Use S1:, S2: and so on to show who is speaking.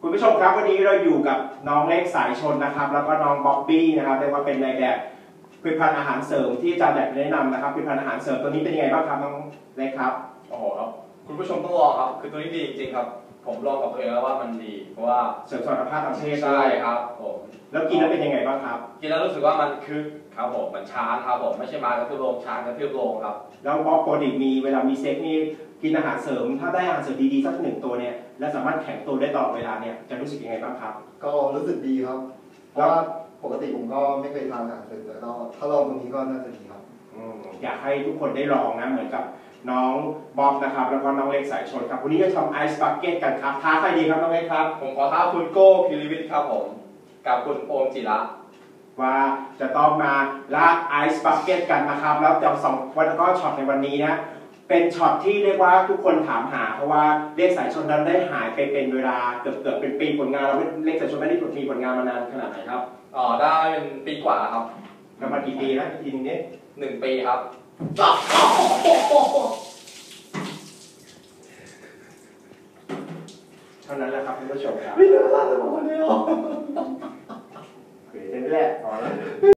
S1: คุณผู้ชมครับวันนี้เราอยู่กับน้องเล็กสายชนนะครับแล้วก็น้องบ๊อบบี้นะครับเรียกว่าเป็นนายแบบผลิตภัณฑ์อาหารเสริมที่อาจารย์อยากแนะนำนะครับผลิตภัณฑ์อาหารเสริมตัวนี้เป็นยังไงบ้างครับน้องเล็กครับ
S2: โอ้โหครับคุณผู้ชมต้องลองครับคือตัวนี้ดีจริงๆครับผมลองกับตัวเองแล้วว่ามันดีเพราะว่า
S1: เสริมสุขภาพทางเพศ
S2: ใช่ครับผม
S1: แล้วกินแล้วเป็นยังไงบ้างครับ
S2: กินแล้วรู้สึกว่ามันคึกครับผมมันช้าครับผมไม่ใช่มากระทืบลงช้ากระทืบลงครับ
S1: แล้วบ๊อบปกติมีเวลามีเซ็กนี่กินอาหารเสริมถ้าได้อาหารเสริมดีๆสักหนึ่งตัวเนี่ยและสามารถแข็งตัวได้ตลอดเวลาเนี่ยจะรู้สึกยังไงบ้างครับ
S3: ก็รู้สึกดีครับเพราะว่าปกติผมก็ไม่เคยทานอาหารเสริมแต่ก็ถ้าลองตรงนี้ก็น่าจะดีครับ
S1: อยากให้ทุกคนได้ลองนะเหมือนกับน้องบ๊อบนะครับแล้วก็น้องเล็กสายชนครับวันนี้จะทำไอซ์บักเก็ตกันครับท้าใครดีครับน้องเล็กครับ
S2: ผมขอท้าคุณโก้พิริวิทย์ครับผมกับคุณโอมจิระ
S1: ว่าจะต้องมาลากไอซ์บักเก็ตกันนะครับแล้วจะสองวันก็ช็อตในวันนี้นะเป็นช็อตที่เรียกว่าทุกคนถามหาเพราะว่าเล็กสายชนนั้นได้หายไปเป็นเวลาเกือบเป็นปีผลงานเราเล็กสายชนไม่ได้มีผลงานมานานขนาดไหนครับ
S2: ได้เป็นปีกว่าครับ
S1: ประมาณกี่ปีนะทีนึงนี้
S2: 1 ปีครับ
S1: เท่านั้นแหละครับคุณผู้ชมครับ
S2: ไม่เหลืออะไรเลยวันนี้หรอ
S1: เห็นแหละพอแล้ว